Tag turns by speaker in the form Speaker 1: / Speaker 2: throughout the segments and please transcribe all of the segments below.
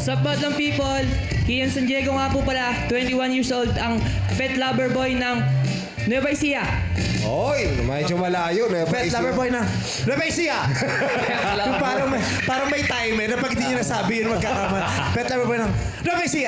Speaker 1: Sa Badlang People, Kian San Diego nga po pala, 21 years old, ang pet lover boy ng Nueva Ecija.
Speaker 2: Oy, medyo malayo.
Speaker 3: Pet lover boy na. Rebesia! Yung parang may timer na pag hindi niya nasabi yun magkakama. Pet lover boy na. Rebesia!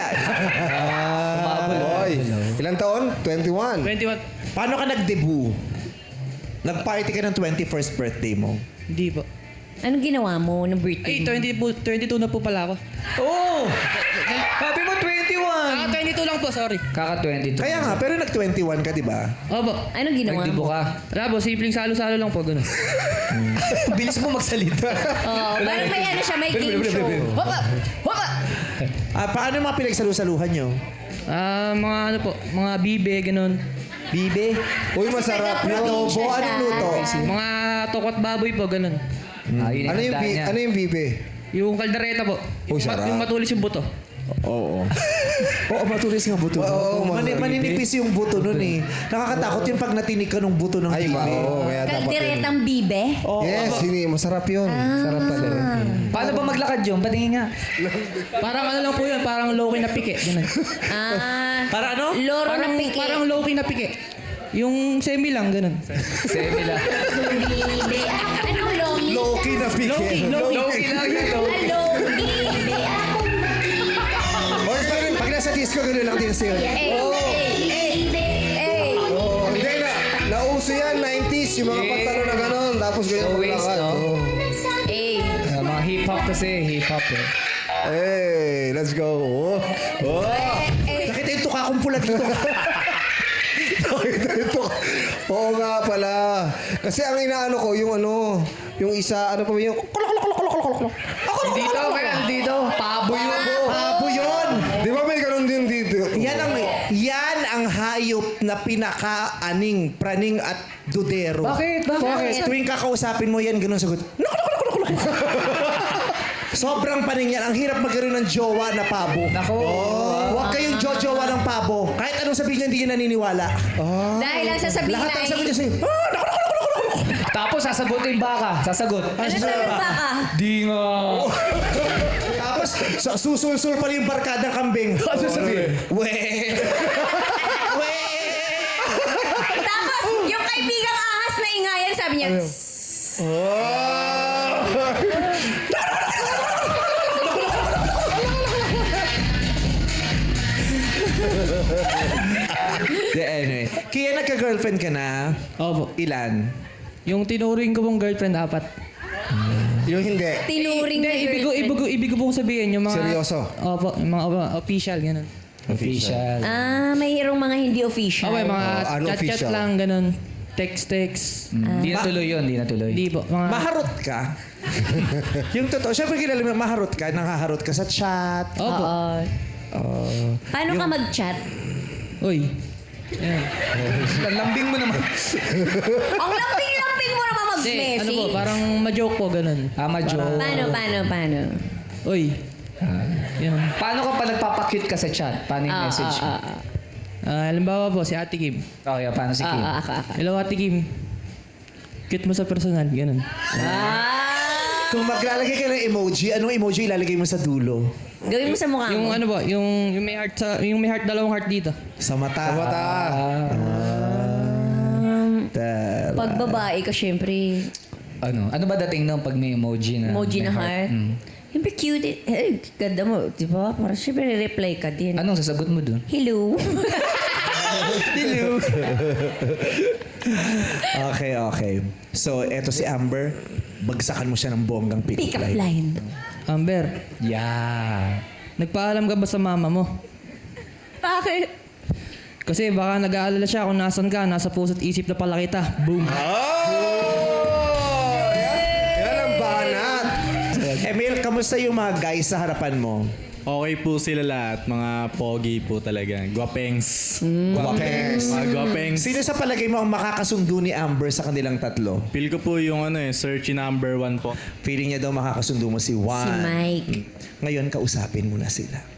Speaker 2: Oy, ilang taon? 21.
Speaker 1: 21.
Speaker 3: Paano ka nag-debut? Nag-party ka ng 21st birthday mo.
Speaker 1: Hindi po.
Speaker 4: Anong ginawa mo ng birthday
Speaker 1: Ay,
Speaker 4: mo?
Speaker 1: 22 na po pala ako.
Speaker 5: Oo! Sabi mo 21!
Speaker 1: 22 lang po, sorry.
Speaker 5: Kaka-22.
Speaker 3: Kaya nga, pero nag-21 ka, di ba?
Speaker 1: Opo.
Speaker 4: Anong ginawa
Speaker 5: Nagdibo
Speaker 4: mo?
Speaker 5: ka.
Speaker 1: Wala po, simpleng salo-salo lang po, gano'n.
Speaker 3: Bilis mo magsalita.
Speaker 4: Oo, parang may ano siya, may game show. Hopa! Hopa!
Speaker 3: Paano yung mga pinagsalusaluhan nyo?
Speaker 1: Mga ano po, mga bibe, gano'n.
Speaker 3: Bibe?
Speaker 2: Uy, masarap yun.
Speaker 3: Adobo, anong luto?
Speaker 1: Mga tokot baboy po, gano'n.
Speaker 5: Yun
Speaker 2: Ano yung,
Speaker 5: handa niya.
Speaker 2: ano yung bibe?
Speaker 1: Yung kaldereta po.
Speaker 2: Uy, sarap.
Speaker 1: Yung matulis yung buto.
Speaker 3: Oo. Oo, matulis nga buto.
Speaker 2: Oo,
Speaker 3: Maninipis yung buto nun eh. Nakakatakot yung pag natinig ka ng buto ng
Speaker 2: Ay,
Speaker 3: bibe.
Speaker 2: oo. Kaya dapat yun.
Speaker 4: Kalderetang bibe?
Speaker 2: Yes, masarap yun. Sarap pala.
Speaker 5: Paano ba maglakad yun? Patingin nga.
Speaker 1: Parang ano lang po yun, parang low-key na pike. Ganun.
Speaker 3: Para ano?
Speaker 4: Loro ng piki.
Speaker 1: Parang low-key na pike. Yung semi lang, ganun.
Speaker 5: Semi lang.
Speaker 4: Bibe. Anong lomi?
Speaker 3: Low-key na pike.
Speaker 5: Low-key lang yun.
Speaker 4: Lomi.
Speaker 3: Or pag nasa disco, gano'n lang din siya.
Speaker 2: Oh, hindi na. Nauso yan, 90s. Yung mga pantalo na gano'n. Tapos ganyan
Speaker 5: Low waist,
Speaker 2: maglakad.
Speaker 5: no?
Speaker 2: Oh.
Speaker 5: Mga hip-hop kasi, hip-hop eh.
Speaker 2: Hey, let's go. Oh.
Speaker 3: Nakita yung tuka kong pula dito.
Speaker 2: Ito. Oo nga pala. Kasi ang inaano ko, yung ano, yung isa, ano pa ba yung...
Speaker 5: Dito, kaya dito. Pabo yun.
Speaker 3: Pabo yun!
Speaker 2: Di ba may ganun din dito?
Speaker 3: Yan ang hayop na pinaka-aning, praning at dudero.
Speaker 5: Bakit?
Speaker 3: Tuwing kakausapin mo yan, ganun sagot. Sobrang paning yan. Ang hirap magkaroon ng jowa na pabo.
Speaker 5: Nako.
Speaker 3: Huwag kayong jowa ng pabo. Kahit anong sabihin niya, hindi kayo naniniwala.
Speaker 4: Dahil lang sasabihin
Speaker 3: Lahat
Speaker 4: na
Speaker 3: ang sabi niya sa'yo,
Speaker 5: Tapos sasagutin baka. Sasagot.
Speaker 4: ano sabi ba ka?
Speaker 5: Di nga.
Speaker 3: Tapos, susul-sul pa rin yung barkadang kambing. Ano sabihin? We!
Speaker 4: Tapos, yung kaibigang ahas na ingayan, sabi niya,
Speaker 3: Anyway. Kaya nagka-girlfriend ka na?
Speaker 1: Opo.
Speaker 3: Ilan?
Speaker 1: Yung tinuring ko pong girlfriend, 4.
Speaker 2: Yung hindi.
Speaker 4: tinuring na
Speaker 1: Hindi,
Speaker 4: girlfriend.
Speaker 1: ibig ko pong sabihin, yung mga...
Speaker 2: Seryoso?
Speaker 1: Opo, yung mga official, gano'n.
Speaker 5: Official.
Speaker 4: Mayroong mga hindi official.
Speaker 1: Okay, mga
Speaker 2: ano
Speaker 1: chat-chat
Speaker 2: official?
Speaker 1: lang, gano'n. Text.
Speaker 5: Hindi natuloy yun, hindi natuloy.
Speaker 1: Hindi po, mga...
Speaker 3: Maharot ka? Yung totoo, syempre kilala mo, maharot ka, nakaharot ka sa chat.
Speaker 1: Opo.
Speaker 4: Paano ka mag-chat?
Speaker 1: Uy. Yan.
Speaker 5: Lambing mo naman.
Speaker 4: Ang lambing-lambing mo naman
Speaker 1: Hindi,
Speaker 4: mag-message.
Speaker 1: ano po, parang ma-joke po, gano'n.
Speaker 5: Joke.
Speaker 4: Paano?
Speaker 1: Uy. Yan.
Speaker 5: Paano ka pa nagpapakute ka sa chat? Paano yung message mo?
Speaker 1: Halimbawa po, si Ate Kim.
Speaker 5: Oh, yeah, paano si Kim?
Speaker 4: Aka.
Speaker 1: Hello, Ate Kim. Cute mo sa personal, gano'n.
Speaker 3: Kung maglalagay ka ng emoji, anong emoji ilalagay mo sa dulo?
Speaker 4: Gawin mo sa mukha
Speaker 1: Yung
Speaker 4: mo.
Speaker 1: ano ba, yung may heart sa, yung may heart, dalawang heart dito.
Speaker 3: Sa mata.
Speaker 2: Sa mata.
Speaker 4: Pag babae ka, syempre,
Speaker 5: Ano ba dating nung pag may emoji na?
Speaker 4: emoji
Speaker 5: may
Speaker 4: na heart. Siyempre cute. Ganda mo. Di ba? Parang syempre reply ka din.
Speaker 5: Anong sasagot mo dun?
Speaker 4: Hello.
Speaker 3: Okay. So, eto si Amber. Bagsakan mo siya ng bonggang
Speaker 4: Pick up line.
Speaker 1: Amber,
Speaker 5: Yeah.
Speaker 1: nagpaalam ka ba sa mama mo?
Speaker 4: Bakit?
Speaker 1: Kasi baka nag-aalala siya kung nasan ka, nasa puso't isip na pala kita. Boom.
Speaker 2: Yan ang banat.
Speaker 3: Emil, kamusta yung mga guys sa harapan mo?
Speaker 6: Okay po sila lahat. Mga pogi po talaga. Guwapengs.
Speaker 3: Guwapengs.
Speaker 6: Mga guwapengs.
Speaker 3: Sino sa palagay mo ang makakasundo ni Amber sa kanilang tatlo?
Speaker 6: Feel ko po yung search number 1 po.
Speaker 3: Feeling niya daw makakasundo mo si Juan.
Speaker 4: Si Mike.
Speaker 3: Ngayon, kausapin mo na sila.